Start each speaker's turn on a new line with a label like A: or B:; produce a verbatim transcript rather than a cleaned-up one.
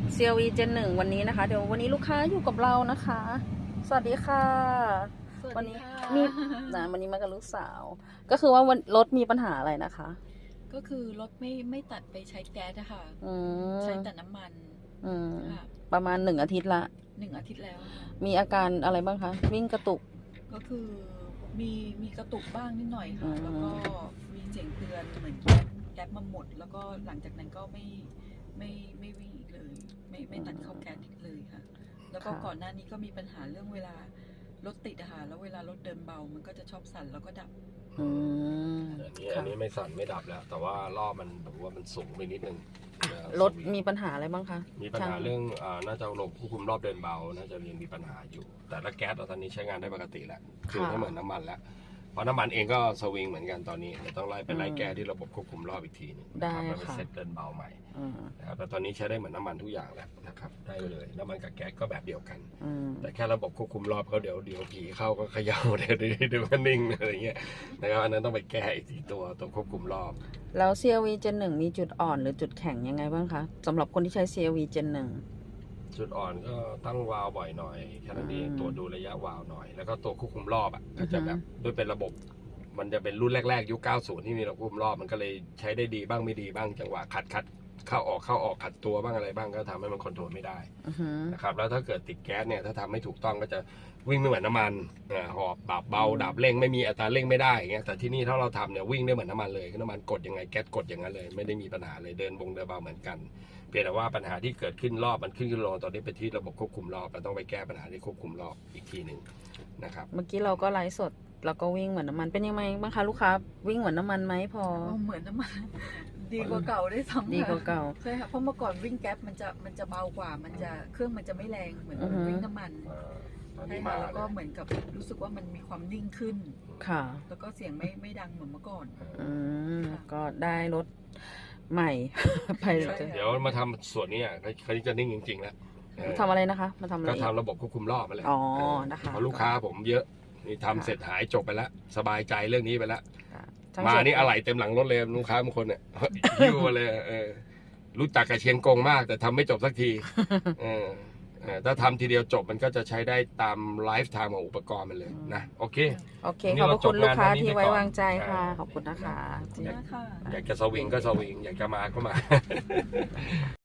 A: ซี แอล วี Gen หนึ่งวันนี้นะคะเดี๋ยววันนี้ลูกค้าอยู่กับเรานะคะ สวัสดีค่ะวันนี้มีนะวันนี้มากับลูกสาว ก็คือว่าวันรถมีปัญหาอะไรนะคะ
B: ก็คือรถไม่ไม่ตัดไปใช้แก๊สอะค่ะ
A: อืม
B: ใช้แต่น้ำมัน
A: อืม
B: ค่ะ
A: ประมาณหนึ่งอาทิตย์ละ
B: หนึ่งอาทิตย์แล้วค่ะ
A: มีอาการอะไรบ้างคะวิ่งกระตุก
B: ก็คือมีมีกระตุกบ้างนิดหน่อย
A: อื
B: ค่ะ
A: ม
B: แล้วก็มีเสียงเตือนเหมือนแก๊สแก๊สมาหมด แล้วก็หลังจากนั้นก็ไม่ไม่ไม่วิ่งอีกเลย ไม่ไม่ตัดเข้าแก๊สอีกเลยค่ะ แล้วก็ก่อนหน้านี้ก็มีปัญหาเรื่องเวลารถติดอะค่ะแล้วเวลารถเดินเบามันก็จะชอบสั่นแล้วก็ดับ
A: อืม
C: อันนี้
A: ค่ะ
C: อันนี้ไม่สั่นไม่ดับแล้ว แต่ว่ารอบมันแบบว่ามันสูงไปนิดนึงนะ
A: รถมีปัญหาอะไรบ้างคะ
C: มีปัญหา
A: ช่
C: เรื่องอ่าน่าจะระบบควบคุมรอบเดินเบา น่าจะยังมีปัญหาอยู่ แต่ละแก๊สตอนนี้ใช้งานได้ปกติแล้วคือไม่เหมือนน้ำมันแล้วเพราะน้ำมันเองก็สวิงเหมือนกันตอนนี้เดี๋ยวต้องไล่ไปไล่แก้ที่ระบบควบคุมรอบอีกทีหนึงนะครับแล้วไปเซตเดินเบาใหม่
A: อืม
C: นะครับแต่ตอนนี้ใช้ได้เหมือนน้ำมันทุกอย่างแล้วนะครับได้เลยน้ำมันกับแก๊สก็แบบเดียวกัน
A: อืม
C: แต่แค่ระบบควบคุมรอบเขาเดี๋ยวเดี๋ยวผีเข้าก็เขย่าเดี๋ยวเดี๋ยวเดี๋ยวก็นิ่งอะไรเงี้ยนะครับอันนั้นต้องไปแก้อีกทีตัวตัวควบคุมรอบ
A: แล้ว ซี แอล วี Gen หนึ่งมีจุดอ่อนหรือจุดแข็งยังไงบ้างคะสำหรับคนที่ใช้ ซี แอล วี Gen หนึ่ง
C: จุดอ่อนก็ตั้งวาล์วบ่อยหน่อยแค่นั้นเอง
A: อืม
C: ตรวจดูระยะวาล์วหน่อย แล้วก็ตัวควบคุมรอบอ่ะ
A: อื
C: ก็
A: อฮึ
C: จะแบบด้วยเป็นระบบ มันจะเป็นรุ่นแรกๆยุคเก้าสิบที่มีระบบควบคุมรอบมันก็เลยใช้ได้ดีบ้างไม่ดีบ้างจังหวะขัดขัดเข้าออกเข้าออกขัดตัวบ้างอะไรบ้างก็ทำให้มันคอนโทรลไม่ได้
A: อือหือ
C: นะครับแล้วถ้าเกิดติดแก๊สเนี่ยถ้าทำไม่ถูกต้องก็จะวิ่งไม่เหมือนน้ำมันอ่าหอบดับเบา
A: อืม
C: ดับเร่งไม่มีอัตราเร่งไม่ได้อย่างเงี้ยแต่ที่นี่ถ้าเราทำเนี่ยวิ่งได้เหมือนน้ำมันเลยคือน้ำมันกดยังไงแก๊สกดอย่างนั้นเลยไม่ได้มีปัญหาเลยเดินบงเดินเบาเหมือนกันเพียงแต่ว่าปัญหาที่เกิดขึ้นรอบมันขึ้นขึ้นลงตอนนี้ไปที่ระบบควบคุมรอบเราต้องไปแก้ปัญหาที่ควบคุมรอบอีกทีหนึ่งนะครับ
A: เมื่อกี้เราก็ไลฟ์สดแล้วก็วิ่งเหมือนน้ำมันเป็นยังไงบ้างคะลูกค้าวิ่งเหมือนน้ำมันไหมพอ
B: อ๋อเหมือนน้ำมัน ดีกว่าเก่าได้ซ้ำ
A: ดีกว่าเก่า
B: ใช่ค่ะเพราะเมื่อก่อนวิ่งแก๊ปมันจะมันจะเบากว่า มันจะเครื่องมันจะไม่แรงเหมือน
A: อือฮึ
B: วิ่งน้ำมัน
C: อ่าตอน
B: ใช่
C: นี้
B: ค่ะ
C: มา
B: แล้วก็
C: เลย
B: เหมือนกับรู้สึกว่ามันมีความนิ่งขึ้น
A: ค่ะ
B: แล้วก็เสียงไม่ไม่ดังเหมือนเมื่อก่อน
A: อืมก็ได้รถใหม่ ไปเลย
B: ใช่
C: เดี๋ยวมาทำส่วนนี้อ่ะเขาจะนิ่งจริงๆแล้วเออ
A: ทำอะไรนะคะ มาทำอะไร
C: ก็
A: อีก
C: ทำระบบควบคุมรอบมาแหละ
A: อ๋อ
C: เออ
A: นะคะ
C: เพราะลูกค้าผมเยอะนี่ทำเสร็จหายจบไปแล้ว สบายใจเรื่องนี้ไปแล้ว
A: ทั้ง
C: มา
A: เจ็ด
C: นี่อะไหล่เต็มหลังรถเลยลูกค้าบางคนเนี่ย หิ้วมาเลยเออรู้จักกับเชียงกงมาก แต่ทำไม่จบสักทีเออเออถ้าทำทีเดียวจบมันก็จะใช้ได้ตามไลฟ์ไทม์ของอุปกรณ์มันเลยนะ โอเค
A: โอเค
C: วันนี้
A: ขอบพระคุณ
C: เราจบ
A: ลูกค้าง
C: านเท่านี้
A: ที่ไว้
C: ไปก่อน
A: วางใจค่ะ
C: อ่า
A: ขอบคุณนะคะ
B: ขอบคุณมากค่ะ
C: อยากจะสวิงก็สวิง อยากจะมาก็มา